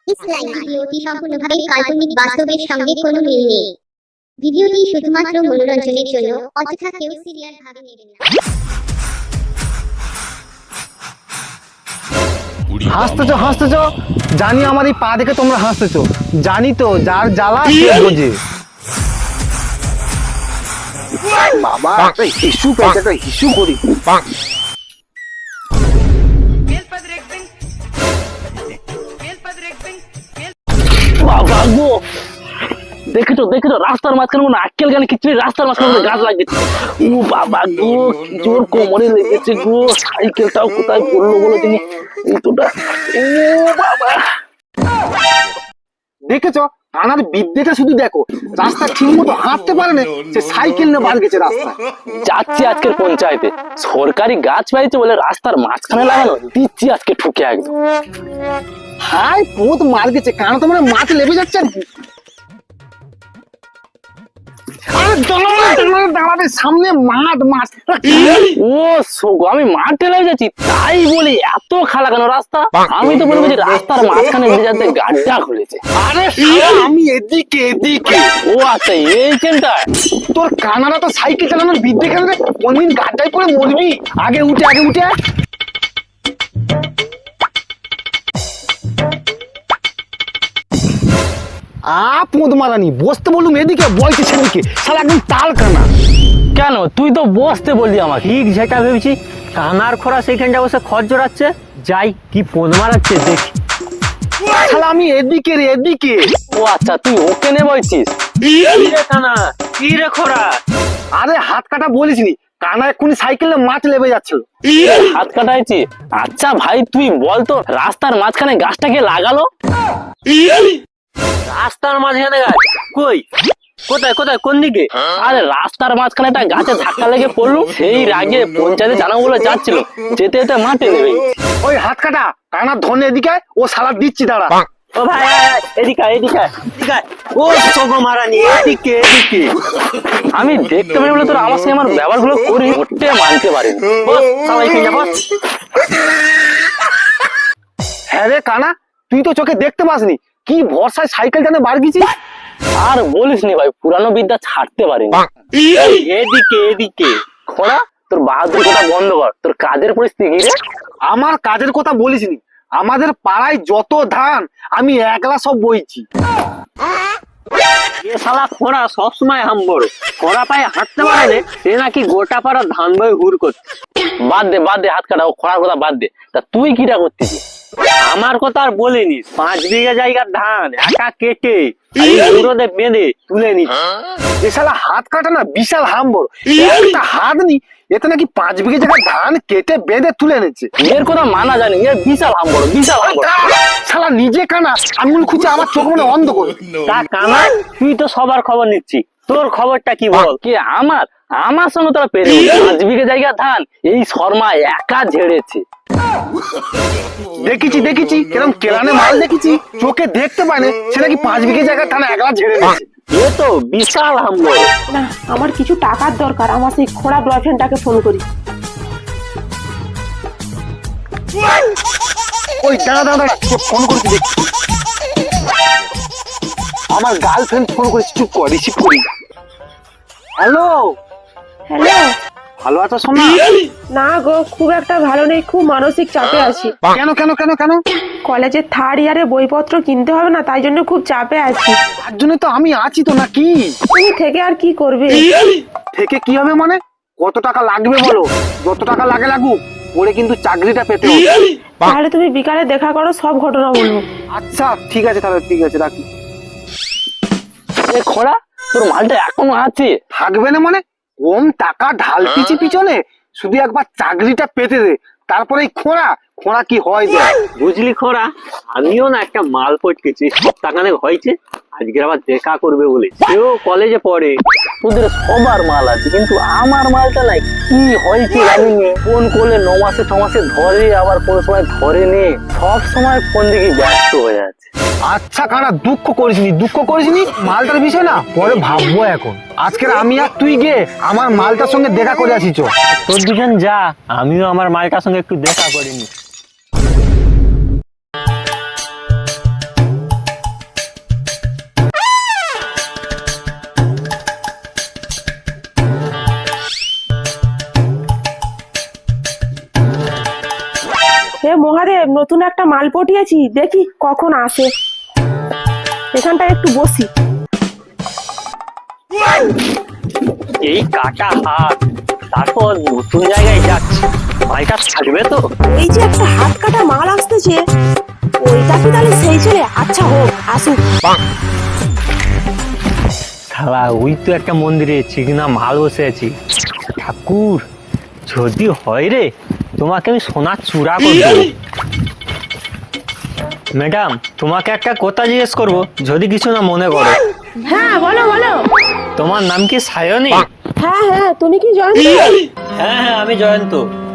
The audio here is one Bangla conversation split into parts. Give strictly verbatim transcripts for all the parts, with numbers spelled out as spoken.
লাইভ ভিডিওটি সম্পূর্ণভাবে কাল্পনিক, বাস্তবের সঙ্গে কোনো মিল নেই। ভিডিওটি শুধুমাত্র মনোরঞ্জনের জন্য, অযথা কেউ সিরিয়াস ভাবে নেবেন না। হাসতেছো হাসতেছো জানি আমার এই পা দেখে তোমরা হাসতেছো, জানি তো যার জ্বালা সে বোঝে। বাবা একটা হিসু পেয়েছে, একটা হিসু করি। বাবা গো, দেখেছো দেখেছো রাস্তার মাঝখানে কোনো আক্কেল গানে কিছু নেই, রাস্তার মাঝখানে গাছ লাগিয়েছে। ও বাবা গো, কি জোর কোমরে লেগেছে গো। সাইকেলটাও কোথায় পড়লো বলে তিনি জুতোটা। ও বাবা, দেখেছো আনার বিদ্যেটা শুধু দেখো, রাস্তা ঠিক মতো হাঁটতে পারে না, সে সাইকেল নিয়ে বার গেছে রাস্তা। যাচ্ছি আজকের পঞ্চায়েতে, সরকারি গাছ পাইছে বলে রাস্তার মাঝখানে লাগানো, দিচ্ছি আজকে ঠুকে একদম। হাই পোত মার গেছে, কারণ তো মানে মাছ লেবে যাচ্ছে আর কি। সামনে মাঠ মাছ। ও সোগো, আমি মাঠে লেগে যাচ্ছি তাই বলি এত খালা কেন রাস্তা? আমি তো বলবো যে রাস্তার মাঝখানে যাতে গাড্ডা খুলেছে। আরে আমি এদিকে এদিকে। ও আচ্ছা এইখানটা। তোর কানারা তো সাইকেল চালানোর বিদ্যে কেন রে? কোনদিন গাড্ডায় পড়ে মরবি। আগে উঠে আগে উঠে আপদ মারানি, বসতে বললুম এদিকে, বলছে সেদিকে, শালা একদম তাল কানা। কেন তুই তো বসতে বললি আমাকে? ঠিক যেটা ভেবেছি, কানার খোরা সেইখানটা বসে খড় জোড়াচ্ছে, যাই কি পোদ মারাচ্ছে দেখি। শালা আমি এদিকে রে এদিকে। ও আচ্ছা তুই ওকে নে বলছিস? কানা কি রে খোরা? আরে হাত কাটা বলিস নি, কানা এক্ষুনি সাইকেলে মাছ লেবে যাচ্ছিল। হাত কাটাইছি? আচ্ছা ভাই তুই বলতো রাস্তার মাঝখানে গাছটাকে লাগালো? রাস্তার মাঝখানে গাছ কই? কোথায় কোথায় কোন দিকে? আরে রাস্তার মাঝখানে একটা গাছে ধাক্কা লেগে পড়লো, সেই রাগে পঞ্চায়েতে জানাবো বলে যাচ্ছিল, যেতে যেতে মাঠে নেবে। ওই হাত কাটা কানা ধনে এদিকে, ও শালা দিচ্ছি দাঁড়া। ও ভাই এদিকে এদিকে এদিকে। ও সোগো মারানি এদিকে এদিকে। আমি দেখতে পারি বলে তোর আমার সঙ্গে আমার ব্যবহার গুলো করি, ওটে মানতে পারি। হ্যাঁ রে কানা, তুই তো চোখে দেখতে পাসনি, কি ভরসায় সাইকেল টানে বার গেছিস। আর বলিস নি ভাই, পুরানো বিদ্যা ছাড়তে পারিনি। এদিকে এদিকে। খোড়া তোর বাহাদুর কথা বন্ধ কর, তোর কাজের পরিস্থিতি কি রে? আমার কাজের কথা বলিস নি, আমাদের পাড়ায় যত ধান আমি একলা সব বইছি। এ শালা খোরা সবসময় হাম্বর, খোরা পায়ে হাঁটতে পারে না, সে নাকি গোটা পাড়া ধান বই হুর করছে। বাদ দে বাদ দে হাত কাটা, ও খোড়ার কথা বাদ দে। তা তুই কিটা করতেছিস? আমার কথা আর বলিনি, পাঁচ বিঘা জায়গার ধান একা কেটে রোদে বেঁধে তুলে নি। এ শালা হাত কাটা না বিশাল হাম্বর, একটা হাত নি এতে নাকি পাঁচ বিঘে জায়গায় ধান কেটে বেঁধে তুলে এনেছে। এর কথা মানা জানি, এর বিশাল হাম্বর বিশাল হাম্বর। শালা নিজে কানা, আঙুল খুঁজে আমার চোখ মনে অন্ধ করে। তা কানা তুই তো সবার খবর নিচ্ছি, তোর খবরটা কি বল? কি আমার আমার সঙ্গে তোরা পেরে পাঁচ বিঘে জায়গা ধান এই শর্মা একা ঝেড়েছে। দেখেছি দেখেছি কিরম কেরানে মাল দেখেছি, চোখে দেখতে পায় না, সে নাকি পাঁচ বিঘে জায়গা ধান একলা ঝেড়ে নিয়েছে। এ তো বিশাল হাম্বর। না, আমার কিছু টাকার দরকার, আমার সেই খোড়া বয়ফ্রেন্ডটাকে ফোন করি। ওই দাঁড়া দাঁড়া দাঁড়া, ফোন করছি দেখ। আমার গার্লফ্রেন্ড ফোন করেছি, চুপ কর, রিসিভ করি। Hello hello. ভালো আছো সোনা? না গো, খুব একটা ভালো নেই, খুব মানসিক চাপে আছি। কেন কেন কেন কেন? কলেজের থার্ড ইয়ারে বইপত্র কিনতে হবে না, তাই জন্য খুব চাপে আছি। তার জন্য তো আমি আছি তো নাকি। তুমি থেকে আর কি করবে? থেকে কি হবে মানে? কত টাকা লাগবে বলো, যত টাকা লাগে লাগুক, ওরে কিন্তু চাকরিটা পেতে হবে। তাহলে তুমি বিকালে দেখা করো, সব ঘটনা বলবো। আচ্ছা ঠিক আছে তাহলে, ঠিক আছে রাখি। এ খোড়া তোর মালটা এখনো আছে? থাকবে না মানে? কম টাকা ঢালতিছি পিছনে, শুধু একবার চাকরিটা পেতে দে, তারপরে খোঁড়া খোঁড়া কি হয় যায়। বুঝলি খোরা, আমিও না একটা মাল পটকেছি, সপ্তাহখানেক হয়েছে, আজকে আবার দেখা করবে বলে। সেও কলেজে পড়ে। তোদের সবার মাল আছে, কিন্তু আমার মালটা নাই, কি হয়েছে জানি না। ফোন করলে ন মাসে ছ মাসে ধরে, আবার কোনো সময় ধরে নে, সব সময় ফোন দিকে ব্যস্ত হয়ে যাচ্ছে। আচ্ছা কানা দুঃখ করিসনি, দুঃখ করিসনি, মালটার বিষয় না পরে ভাববো। এখন আজকের আমি আর তুই গে আমার মালটার সঙ্গে দেখা করে আসিছ। তোর দুজন যা, আমিও আমার মালটার সঙ্গে একটু দেখা করিনি। হে মহাদেব, নতুন একটা মাল পটিয়েছি, দেখি কখন আসে। এখানটা একটু বসি। এই কাটা হাত, তারপর নতুন জায়গায় যাচ্ছে, মালটা থাকবে তো? এই যে একটা হাত কাটা মাল আসতেছে, ওইটা কি তাহলে সেই ছেলে? আচ্ছা হোক, আসুক। শালা ওই তো একটা মন্দিরে চিকনা মাল বসে আছি। ঠাকুর, যদি হয় রে, তোমাকে আমি সোনার চূড়া করে দেবো। ম্যাডাম, তোমাকে একটা কথা জিজ্ঞেস করবো, যদি কিছু না মনে করো। হ্যাঁ বলো বলো। তোমার নাম কি সায়নী? হ্যাঁ হ্যাঁ, তুমি কি জয়ন্ত? হ্যাঁ হ্যাঁ, আমি জয়ন্ত।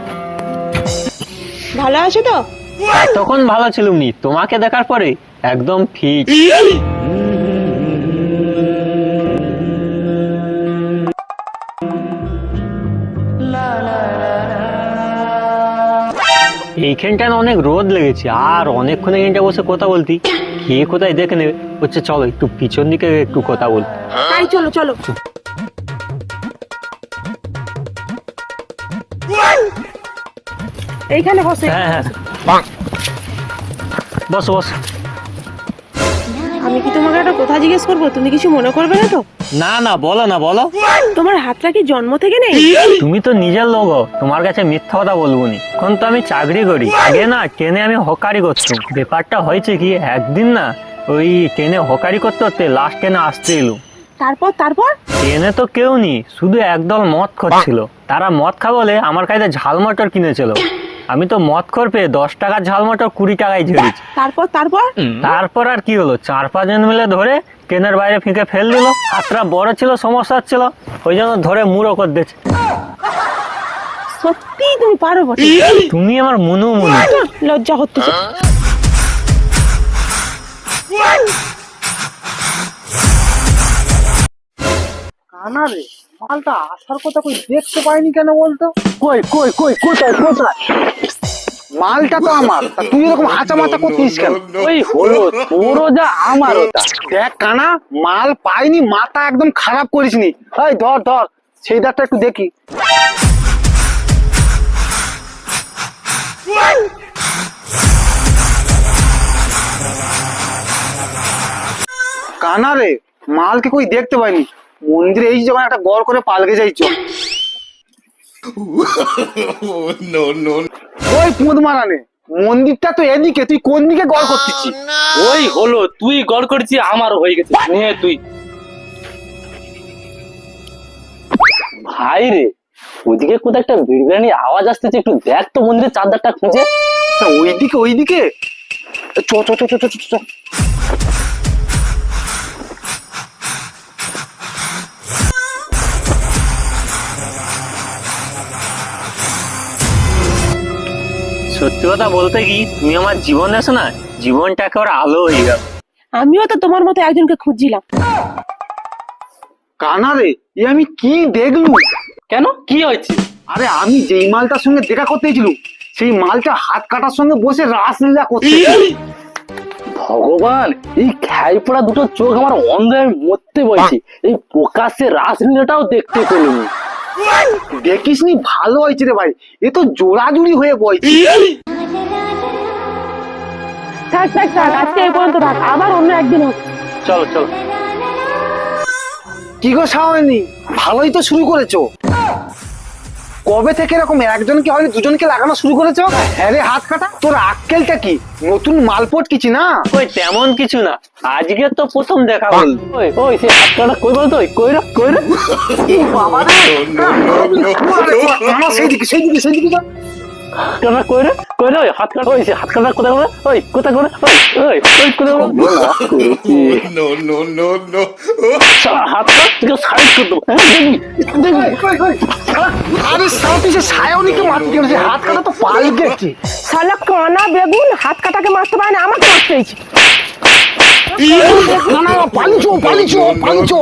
ভালো আছো তো? তখন ভালো ছিলুম নি, তোমাকে দেখার পরে একদম ফিট। এইখানটা না অনেক রোদ লেগেছে, আর অনেকক্ষণ এখানটা বসে কথা বলতি, কে কোথায় দেখে নেবে। হচ্ছে চলো একটু পিছন দিকে একটু কথা বল। তাই চলো চলো। এইখানে বসে। হ্যাঁ হ্যাঁ, বস বস। আমি কি তোমাকে একটা কথা জিজ্ঞেস করবো? তুমি কিছু মনে করবে না তো? না না, বলো না বলো। তোমার হাতটা কি জন্ম থেকে নেই? তুমি তো নিজের লোক, তোমার কাছে মিথ্যা কথা বলবো নি। এখন তো আমি চাকরি করি, আগে না ট্রেনে আমি হকারি করতাম। ব্যাপারটা হয়েছে কি, একদিন না ওই ট্রেনে হকারি করতে করতে লাস্ট ট্রেনে আসতে এলো। তারপর তারপর ট্রেনে তো কেউ নি, শুধু একদল মদ খাচ্ছিল। তারা মদ খা বলে আমার কাছে ঝাল মটর কিনেছিল। আমি তো মদ খোর পেয়ে দশ টাকার ঝাল মটর কুড়ি টাকায় ঝেড়েছি। তারপর তারপর তারপর আর কি হলো, চার পাঁচজন মিলে ধরে ট্রেনের বাইরে ফিকে ফেল দিল। হাতটা বড় ছিল, সমস্যা ছিল, ওই জন্য ধরে মুড়ো করে দিয়েছে। সত্যি তুমি পারো বটে। তুমি আমার মনু মনু। লজ্জা হচ্ছে। কানা রে, মালটা আসার কথা কই দেখতে পাইনি কেন বলতো? কই কই কই কোথায় কোথায়? মালটা তো আমার, তা তুই এরকম হাঁচা মাথা করছিস কেন? ওই হলো তোরও যা আমার ওটা। দেখ কানা, মাল পাইনি, মাথা একদম খারাপ করিসনি। এই ধর ধর, সেই দাঁতটা একটু দেখি। কানা রে, মালকে কই দেখতে পাইনি। মন্দিরে এই যখন একটা গড় করে পালকে যাইছ। ওই পুঁদ মারানে, মন্দিরটা তো এদিকে, তুই কোন দিকে গড় করতেছি? ওই হলো, তুই গড় করেছি, আমারও হয়ে গেছে। নে তুই। ভাই রে, ওদিকে কোথায় একটা বিড়বিড়ানি আওয়াজ আসতেছে, একটু দেখ তো মন্দিরের চারদারটা খুঁজে। ওইদিকে ওইদিকে, চ চ চ চ চ চ। সত্যি কথা বলতে কি, তুমি আমার জীবন এসো না, জীবনটা একেবারে আলো হয়ে গেল। আমিও তো তোমার মতো একজনকে খুঁজছিলাম। কানা রে, এ আমি কি দেখলু? কেন, কি হয়েছে? আরে আমি যেই মালটার সঙ্গে দেখা করতে গেছিলুম, সেই মালটা হাত কাটার সঙ্গে বসে রাসলীলা করতে। ভগবান, এই খাই পড়া দুটো চোখ আমার অন্ধ হয়ে মরতে বলছে। এই প্রকাশ্যে রাসলীলাটাও দেখতে পেলাম। দেখিসনি, ভালো হয়েছে রে ভাই, এ তো জোড়াজুড়ি হয়ে বইছে। থাক থাক থাক, আজকে এই পর্যন্ত থাক, আবার অন্য একদিন হোক। চলো চলো। কি গো সাওয়ানি, ভালোই তো শুরু করেছো। কবে থেকে এরকম একজনকে হয়নি দুজনকে লাগানো শুরু করেছো? হ্যাঁ রে হাত কাটা, তোর আক্কেলটা কি? নতুন মালপট কিছু না? ওই তেমন কিছু না, আজকে তো প্রথম দেখা বল। ওই ওই সে হাতটা কই বলতো, ওই কই রে কই রে। বাবা রে, আমার সেইদিকে সেইদিকে সেইদিকে যা। হাতটা কই রে কই রে, ওই হাত কাটা, ওই সে হাত কাটা কোথায় করে, ওই কোথায় করে, ওই ওই ওই কোথায় করে। no, no, no, no. সারা হাতটা থেকে সাইড করে দেবো। হ্যাঁ দেখবি দেখবি। কই, কই, কই। আরে সাও তুই সে সায়নিকে মারতে গেল, সে হাত কাটা তো পাল গেছে। শালা কানা বেগুন, হাত কাটাকে মারতে পারে না, আমাকে মারতে হয়েছে। না না, পালিছো পালিছো পালিছো।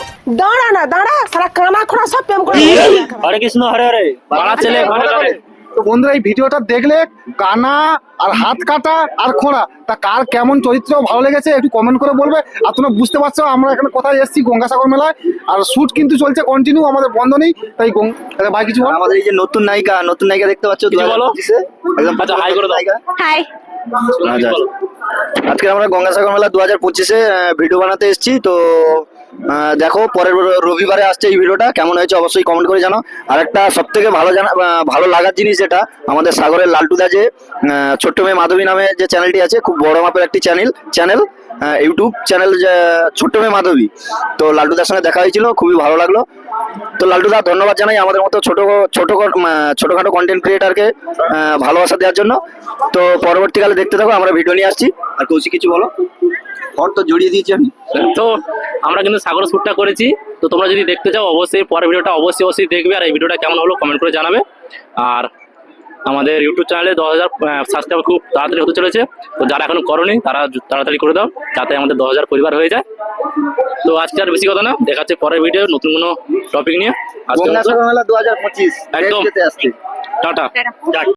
দাঁড়া না দাঁড়া, সারা কানা খোড়া সব প্রেম করে। হরে কৃষ্ণ হরে হরে, বাড়া ছেলে ঘরে ঘরে। তো বন্ধুরা এই ভিডিওটা দেখলে কানা আর হাত কাটা আর খোঁড়া তা কার কেমন চরিত্র ভালো লেগেছে একটু কমেন্ট করে বলবে। আর তোমরা বুঝতে পারছো আমরা এখানে কোথায় এসেছি, গঙ্গাসাগর মেলায়, আর শুট কিন্তু চলছে কন্টিনিউ, আমাদের বন্ধ নেই। তাই গং- তাহলে ভাই কিছু বল। আমাদের এই যে নতুন নায়িকা নতুন নায়িকা দেখতে পাচ্ছ কিছু বলো। একদম আচ্ছা, হাই করে দাও। নায়িকা। হাই। আচ্ছা। আজকে আমরা গঙ্গাসাগর মেলা দু হাজার পঁচিশে ভিডিও বানাতে এসেছি। তো আহ, দেখো পরের র- রবিবারে আসছে এই ভিডিওটা, কেমন হয়েছে অবশ্যই কমেন্ট করে জানাও। আর একটা সব থেকে ভালো জানা আহ, ভালো লাগার জিনিস যেটা, আমাদের সাগরের লালটুদা যে আহ, ছোট্ট মেয়ে মাধবী নামে যে চ্যানেলটি আছে, খুব বড় মাপের একটি চ্যানেল চ্যানেল ইউটিউব চ্যানেল যে ছোট্ট মেয়ে মাধবী। তো লালটুদার সঙ্গে দেখা হয়েছিল, খুবই ভালো লাগলো। তো লালটুদা ধন্যবাদ জানাই আমাদের মতো ছোট ছোট ছোটখাটো কন্টেন্ট ক্রিয়েটারকে ভালোবাসা দেওয়ার জন্য। তো পরবর্তীকালে দেখতে থাকো, আমরা ভিডিও নিয়ে আসছি। আর কৌশিক কিছু বলো। ঘর তো জড়িয়ে দিয়েছি আমি। তো আমরা কিন্তু সাগর শ্যুটটা করেছি, তো তোমরা যদি দেখতে চাও অবশ্যই পরের ভিডিওটা অবশ্যই অবশ্যই দেখবে। আর এই ভিডিওটা কেমন হলো কমেন্ট করে জানাবে। আর আমাদের ইউটিউব চ্যানেলে দশ হাজার সাবস্ক্রাইবার খুব তাড়াতাড়ি হতে চলেছে, তো যারা এখনো করোনি তারা জু- তাড়াতাড়ি করে দাও, যাতে আমাদের দশ হাজার পরিবার হয়ে যায়। তো আজকে আর বেশি কথা না, দেখা যাচ্ছে পরের ভিডিও নতুন কোনো টপিক নিয়ে। আজকে গঙ্গাসাগর মেলা দু হাজার পঁচিশ একদম। যেতে আসছে। টাটা।